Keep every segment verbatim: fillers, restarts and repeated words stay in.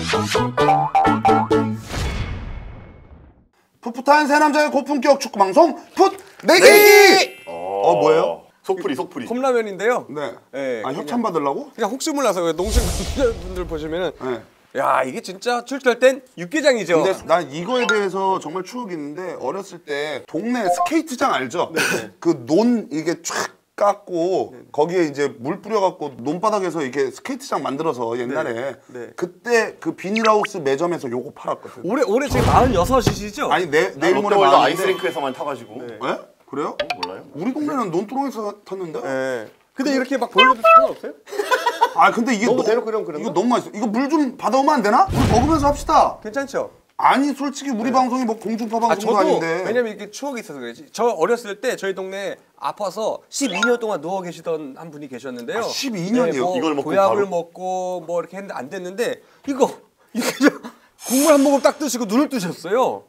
풋풋한 새 남자의 고품격 축구 방송 풋 내기. 어, 어 뭐예요? 속풀이 속풀이. 컵라면인데요. 네. 네, 아 협찬 받으려고? 그냥 혹시 몰라서 농심 분들 보시면은 네. 야 이게 진짜 출출할 땐 육개장이죠. 근데 난 이거에 대해서 정말 추억이 있는데 어렸을 때 동네 스케이트장 알죠? 그 논 이게 쫙 깎고 거기에 이제 물 뿌려갖고 논바닥에서 이게 스케이트장 만들어서 옛날에 네. 네. 그때 그 비닐하우스 매점에서 요거 팔았거든. 올해 올해 지금 마흔여섯이시죠? 아니 내 내일 모레 롯데월드 많은데. 아이스링크에서만 타가지고. 네. 네? 그래요? 어, 몰라요? 우리 동네는 논두렁에서 탔는데? 네. 근데 이렇게 막 보여줘도 상관없어요? 아 근데 이게 너무 너- 대놓고 이러면 그런가? 이거 너무 맛있어. 이거 물 좀 받아오면 안 되나? 우리 먹으면서 합시다. 괜찮죠? 아니 솔직히 우리 방송이 뭐 공중파 아 방송도 저도 아닌데. 왜냐면 이게 추억이 있어서 그렇지. 저 어렸을 때 저희 동네 아파서 십이 년 동안 누워 계시던 한 분이 계셨는데요. 아, 십이 년이요? 뭐 이걸 먹고 보약을 바로? 먹고 뭐 이렇게 했는데 안 됐는데 이거 이게 국물 한 모금 딱 드시고 눈을 뜨셨어요.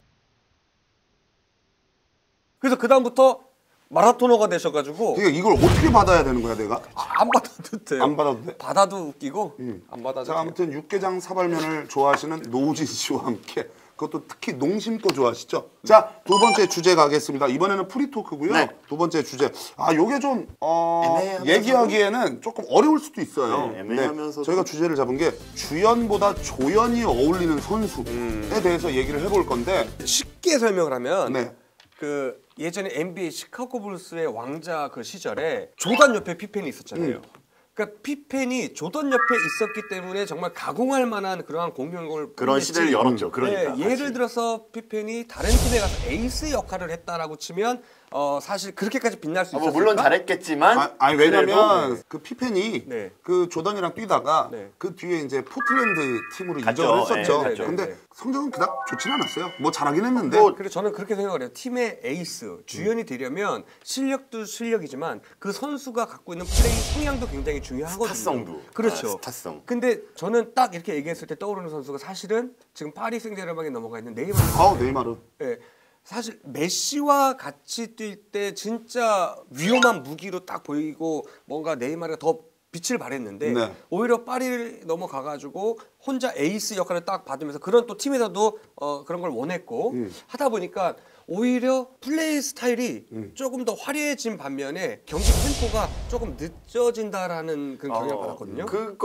그래서 그 다음부터 마라토너가 되셔가지고 그러니까 이걸 어떻게 받아야 되는 거야 내가? 안 받아도 돼요. 안 받아도 돼? 받아도 웃기고 안 받아도 자 돼요. 아무튼 육개장 사발면을 좋아하시는 노우진 씨와 함께 그것도 특히 농심 거 좋아하시죠? 자 두 번째 주제 가겠습니다. 이번에는 프리토크고요. 네. 두 번째 주제 아 요게 좀 어, 애매하면서도- 얘기하기에는 조금 어려울 수도 있어요. 네, 애매하면서도- 저희가 주제를 잡은 게 주연보다 조연이 어울리는 선수에 음. 대해서 얘기를 해볼 건데 쉽게 설명을 하면 네. 그 예전에 엔비에이 시카고 불스의 왕자 그 시절에 조던 옆에 피펜이 있었잖아요. 음. 그러니까 피펜이 조던 옆에 있었기 때문에 정말 가공할 만한 그러한 공격을 그런 뽐냈지. 시대를 열었죠. 그러니까. 네, 예를 같이. 들어서 피펜이 다른 팀에 가서 에이스 역할을 했다라고 치면 어 사실 그렇게까지 빛날 수 아, 있었을까? 뭐 물론 잘했겠지만. 아, 아니 그래도- 왜냐면 그 피펜이 네. 그 조던이랑 뛰다가 네. 그 뒤에 이제 포틀랜드 팀으로 갔죠. 이적을 했었죠. 네, 갔죠. 근데 네. 성적은 그닥 좋지는 않았어요. 뭐 잘하긴 했는데. 뭐- 그래서 저는 그렇게 생각을 해요. 팀의 에이스, 주연이 되려면 실력도 실력이지만 그 선수가 갖고 있는 플레이 성향도 굉장히 중요하거든요. 스타성도. 그렇죠. 아, 스타성. 근데 저는 딱 이렇게 얘기했을 때 떠오르는 선수가 사실은 지금 파리 생제르맹에 넘어가 있는 네이마르. 아우 네이마르. 예. 사실 메시와 같이 뛸 때 진짜 위험한 무기로 딱 보이고 뭔가 네이마르가 더 빛을 발했는데 네. 오히려 파리를 넘어가가지고 혼자 에이스 역할을 딱 받으면서 그런 또 팀에서도 어, 그런 걸 원했고 음. 하다 보니까 오히려 플레이 스타일이 음. 조금 더 화려해진 반면에 경기 템포가 조금 늦어진다라는 그런 경향을 어, 받았거든요.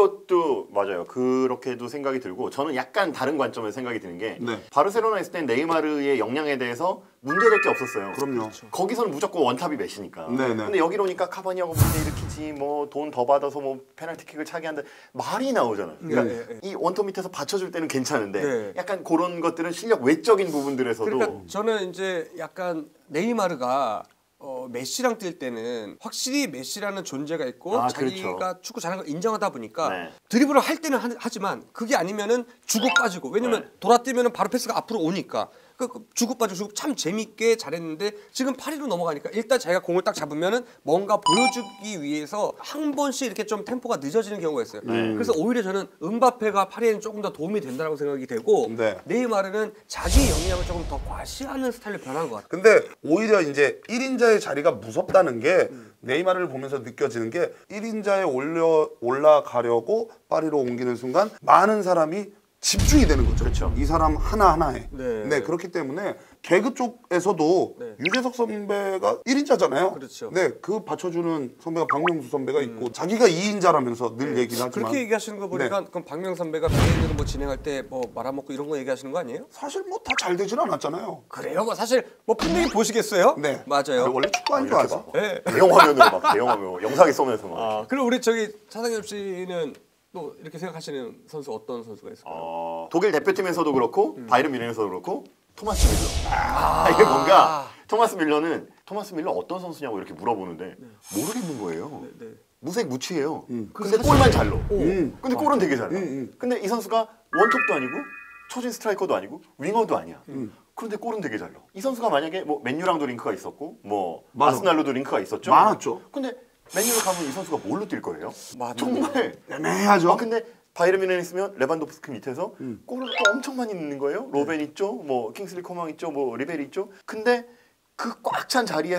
그것도 맞아요. 그렇게도 생각이 들고 저는 약간 다른 관점에서 생각이 드는 게 네. 바르셀로나에 있을 땐 네이마르의 역량에 대해서 문제될 게 없었어요. 그럼요. 거기서는 무조건 원탑이 메시니까. 네네. 근데 여기로 오니까 카바니하고 문제 일으키지 뭐 돈 더 받아서 뭐 페널티킥을 차게 한다 말이 나오잖아요. 그러니까 네, 네, 이 원톱 밑에서 받쳐줄 때는 괜찮은데 네. 약간 그런 것들은 실력 외적인 부분들에서도 그러니까 저는 이제 약간 네이마르가 어, 메시랑 뛸 때는 확실히 메시라는 존재가 있고 아, 자기가 그렇죠. 축구 잘하는 걸 인정하다 보니까 네. 드리블을 할 때는 하, 하지만 그게 아니면은 주고 빠지고 왜냐면 네. 돌아뛰면은 바로 패스가 앞으로 오니까 그, 그 주고 빠지고 주고 참 재밌게 잘했는데 지금 파리로 넘어가니까 일단 자기가 공을 딱 잡으면은 뭔가 보여주기 위해서 한 번씩 이렇게 좀 템포가 늦어지는 경우가 있어요. 네. 그래서 오히려 저는 음바페가 파리에는 조금 더 도움이 된다고 생각이 되고 네. 네이마르는 자기 역량을 조금 더 과시하는 스타일로 변한 것 같아요. 근데 오히려 이제 일 인자의 자리가 무섭다는 게 네이마르를 보면서 느껴지는 게 일 인자에 올려 올라가려고 파리로 옮기는 순간 많은 사람이 집중이 되는 거죠. 그렇죠. 이 사람 하나하나에. 네. 네. 그렇기 때문에 개그 쪽에서도 네. 유재석 선배가 일 인자잖아요. 그렇죠. 네. 그 받쳐주는 선배가 박명수 선배가 있고 자기가 이 인자라면서 늘 얘기를 하지만 그렇게 얘기하시는 거 보니까 네. 그럼 박명 선배가 비행기를 뭐 진행할 때 뭐 말아먹고 이런 거 얘기하시는 거 아니에요? 사실 뭐 다 잘 되진 않았잖아요. 그래요. 뭐 사실 뭐 분명히 보시겠어요? 네. 맞아요. 원래 축구하는 줄 이렇게 알죠. 봐. 네. 대형 화면으로 막 대형 화면 영상에 쏘면서 막. 아, 그리고 우리 저기 차상엽 씨는 또 이렇게 생각하시는 선수 어떤 선수가 있을까요? 어, 독일 대표팀에서도 그렇고 바이에른 뮌헨에서도 그렇고 토마스 밀러. 아, 이게 뭔가 토마스 밀러는 토마스 밀러 어떤 선수냐고 이렇게 물어보는데 모르겠는 거예요. 네. 무색 무취해요. 음. 근데 골만 잘 넣어. 음. 근데 골은 되게 잘 넣어. 음, 음. 근데 이 선수가 원톱도 아니고 초진 스트라이커도 아니고 윙어도 아니야. 음. 그런데 골은 되게 잘 넣어. 이 선수가 만약에 뭐 맨유랑도 링크가 있었고 뭐 맞아. 아스날로도 링크가 있었죠. 많았죠. 근데 맨유를 가면 이 선수가 뭘로 뛸 거예요? 맞네. 정말 애매하죠. 아 근데 바이에른 뮌헨 있으면 레반도프스키 밑에서 음. 골을 또 엄청 많이 넣는 거예요. 로벤 있죠, 뭐 킹슬리 코만 있죠, 뭐 리베리 있죠. 근데 그 꽉 찬 자리에서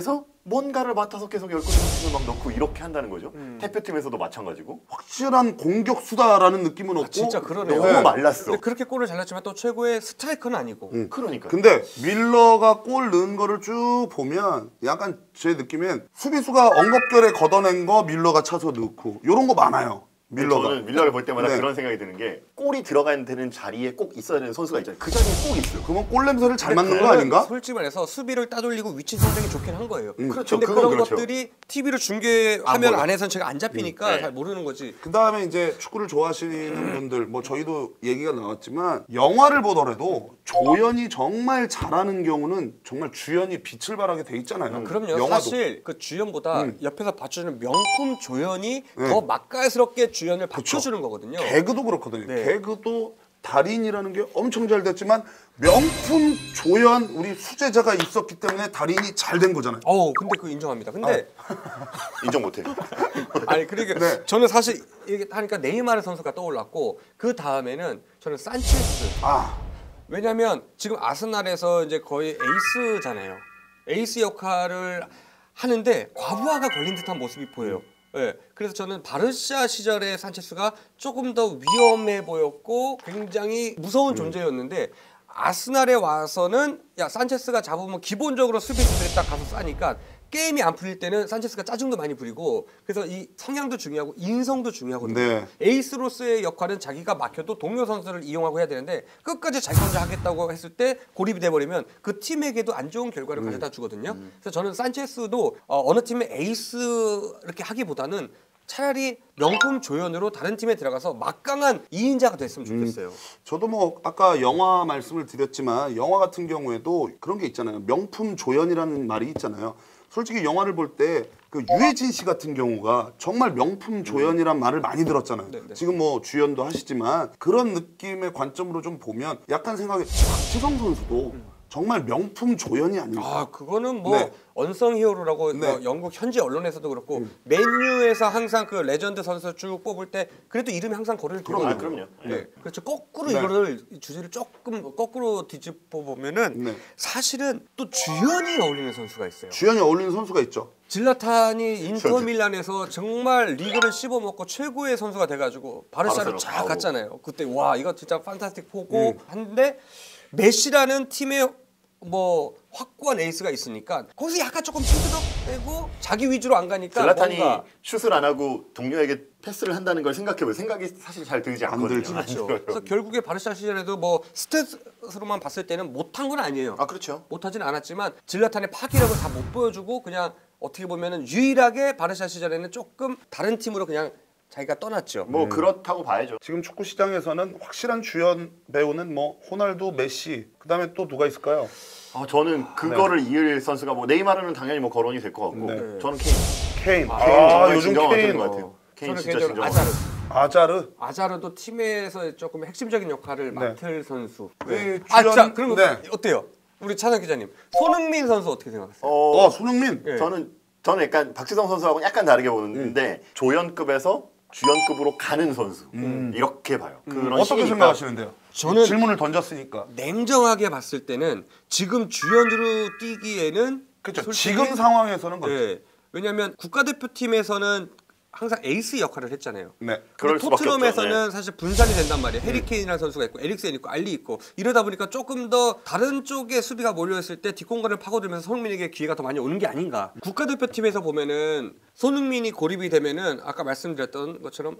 뭔가를 맡아서 계속 열 골 이상을 막 넣고 이렇게 한다는 거죠. 음. 대표팀에서도 마찬가지고. 확실한 공격수다라는 느낌은 없고 진짜 그러네요. 너무 네. 말랐어. 근데 그렇게 골을 잘 넣지만 또 최고의 스트라이커는 아니고. 음. 그러니까. 근데 밀러가 골 넣은 거를 쭉 보면 약간 제 느낌엔 수비수가 엉겁결에 걷어낸 거 밀러가 차서 넣고 이런 거 많아요. 밀러가. 저는 밀러를 볼 때마다 네. 그런 생각이 드는 게 골이 들어가야 되는 자리에 꼭 있어야 되는 선수가 있잖아요. 그 자리에 꼭 있어요. 그러면 골 냄새를 잘 근데 맡는 거 그거는 아닌가? 솔직히 말해서 수비를 따돌리고 위치 선정이 좋긴 한 거예요. 음. 그렇죠. 근데 그건 그런 그렇죠. 것들이 티비로 중계 안 화면 보여. 안에서는 제가 안 잡히니까 음, 네. 잘 모르는 거지. 그 다음에 이제 축구를 좋아하시는 분들, 뭐 저희도 얘기가 나왔지만 영화를 보더라도 조연이 정말 잘하는 경우는 정말 주연이 빛을 발하게 돼 있잖아요. 그럼요. 영화도. 사실 그 주연보다 음. 옆에서 받쳐주는 명품 조연이 네. 더 맛깔스럽게 주연을 받쳐주는 거거든요. 개그도 그렇거든요. 네. 개그도 달인이라는 게 엄청 잘 됐지만 명품 조연 우리 수제자가 있었기 때문에 달인이 잘 된 거잖아요. 어우, 근데 그거 인정합니다. 근데 인정 못해. 아니 그러니까 네. 저는 사실 이게 하니까 네이마르 선수가 떠올랐고 그 다음에는 저는 산체스. 아, 왜냐면 지금 아스날에서 이제 거의 에이스잖아요. 에이스 역할을 하는데 과부하가 걸린 듯한 모습이 보여요. 예. 그래서 저는 바르샤 시절의 산체스가 조금 더 위험해 보였고 굉장히 무서운 존재였는데 아스날에 와서는 야 산체스가 잡으면 기본적으로 수비수들이 딱 가서 싸니까 게임이 안 풀릴 때는 산체스가 짜증도 많이 부리고 그래서 이 성향도 중요하고 인성도 중요하거든요. 네. 에이스로서의 역할은 자기가 막혀도 동료 선수를 이용하고 해야 되는데 끝까지 자기 혼자 하겠다고 했을 때 고립이 돼버리면 그 팀에게도 안 좋은 결과를 음. 가져다 주거든요. 그래서 저는 산체스도 어, 어느 팀의 에이스 이렇게 하기보다는 차라리 명품 조연으로 다른 팀에 들어가서 막강한 이인자가 됐으면 좋겠어요. 저도 뭐 아까 영화 말씀을 드렸지만 영화 같은 경우에도 그런 게 있잖아요. 명품 조연이라는 말이 있잖아요. 솔직히 영화를 볼 때 그 유해진 씨 같은 경우가 정말 명품 조연이란 말을 많이 들었잖아요. 네, 네. 지금 뭐 주연도 하시지만 그런 느낌의 관점으로 좀 보면 약간 생각에 박지성 선수도 정말 명품 조연이 아닌가. 아 그거는 뭐 네. 언성 히어로라고 네. 뭐 영국 현지 언론에서도 그렇고 맨유에서 항상 그 레전드 선수 쭉 뽑을 때 그래도 이름이 항상 거론이 그럼요. 아, 그럼요. 네. 그렇죠. 거꾸로 네. 이거를 주제를 조금 거꾸로 뒤집어 보면은 네. 사실은 또 주연이 어울리는 선수가 있어요. 주연이 어울리는 선수가 있죠. 질라탄이 인터밀란에서 정말 리그를 씹어먹고 최고의 선수가 돼가지고 바르샤로 바르셀로나 쫙 가고. 갔잖아요. 그때 와 이거 진짜 판타스틱 포고 한데 메시라는 팀의 뭐 확고한 에이스가 있으니까 거기서 약간 조금 핑크덕 빼고 자기 위주로 안 가니까 질라탄이 뭔가 슛을 안 하고 동료에게 패스를 한다는 걸 생각해보면 생각이 사실 잘 들지 않거든요. 들지. 안 그렇죠. 들어요. 그래서 결국에 바르샤 시절에도 뭐 스탯으로만 봤을 때는 못한 건 아니에요. 아 그렇죠. 못하진 않았지만 질라탄의 파기력을 다 못 보여주고 그냥 어떻게 보면은 유일하게 바르샤 시절에는 조금 다른 팀으로 그냥 자기가 떠났죠. 뭐 그렇다고 봐야죠. 지금 축구 시장에서는 확실한 주연 배우는 뭐 호날두, 메시, 그다음에 또 누가 있을까요? 아, 저는 그거를 이을 선수가 뭐 네이마르는 당연히 뭐 거론이 될 것 같고 네. 저는 케인. 케인. 케인 아, 정말 요즘 진정한 케인. 것 같아요. 케인 저는 진짜 개인적으로 진정. 아자르. 아자르. 아자르도 팀에서 조금 핵심적인 역할을 맡을 선수. 네. 아, 주연- 자, 그럼 네. 어때요? 우리 차장 기자님, 손흥민 선수 어떻게 생각하세요? 어, 어, 손흥민. 네. 저는 저는 약간 박지성 선수하고는 약간 다르게 보는데 조연급에서 주연급으로 가는 선수 이렇게 봐요. 그런 어떻게 시기니까. 생각하시는데요? 저는 질문을 던졌으니까. 냉정하게 봤을 때는 지금 주연으로 뛰기에는 그렇죠. 솔직히- 지금 상황에서는 그렇죠. 네. 왜냐하면 국가대표팀에서는 항상 에이스 역할을 했잖아요. 네. 그럴 근데 수밖에 토트넘에서는 없죠. 네. 사실 분산이 된단 말이에요. 해리케인이라는 선수가 있고 에릭센 있고 알리 있고 이러다 보니까 조금 더 다른 쪽에 수비가 몰려있을 때 뒷공간을 파고들면서 손흥민에게 기회가 더 많이 오는 게 아닌가. 국가대표팀에서 보면은 손흥민이 고립이 되면은 아까 말씀드렸던 것처럼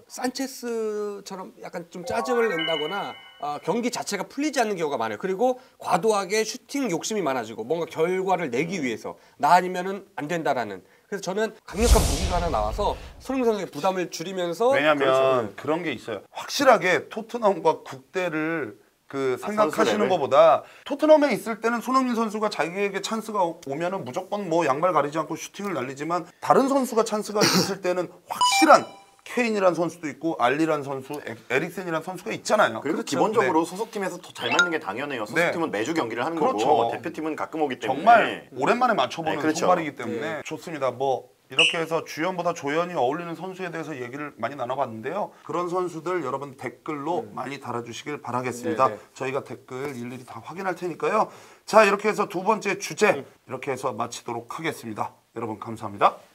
산체스처럼 약간 좀 짜증을 낸다거나 아, 경기 자체가 풀리지 않는 경우가 많아요. 그리고 과도하게 슈팅 욕심이 많아지고 뭔가 결과를 내기 위해서 나 아니면은 안 된다라는. 그래서 저는 강력한 무기가 하나 나와서 손흥민 선수의 부담을 줄이면서 왜냐면 그렇죠. 그런 게 있어요. 확실하게 토트넘과 국대를 그 아, 생각하시는 선수 것보다 토트넘에 있을 때는 손흥민 선수가 자기에게 찬스가 오면은 무조건 뭐 양발 가리지 않고 슈팅을 날리지만 다른 선수가 찬스가 있을 때는 확실한 케인이란 선수도 있고 알리란 선수, 에- 에릭센이란 선수가 있잖아요. 그리고 그렇죠. 기본적으로 네. 소속팀에서 더 잘 맞는 게 당연해요. 소속팀은 매주 경기를 하는 그렇죠. 거고 대표팀은 가끔 오기 때문에 정말 오랜만에 맞춰보는 네, 그렇죠. 선발이기 때문에 좋습니다. 뭐 이렇게 해서 주연보다 조연이 어울리는 선수에 대해서 얘기를 많이 나눠봤는데요. 그런 선수들 여러분 댓글로 많이 달아주시길 바라겠습니다. 네, 네. 저희가 댓글 일일이 다 확인할 테니까요. 자, 이렇게 해서 두 번째 주제 이렇게 해서 마치도록 하겠습니다. 여러분 감사합니다.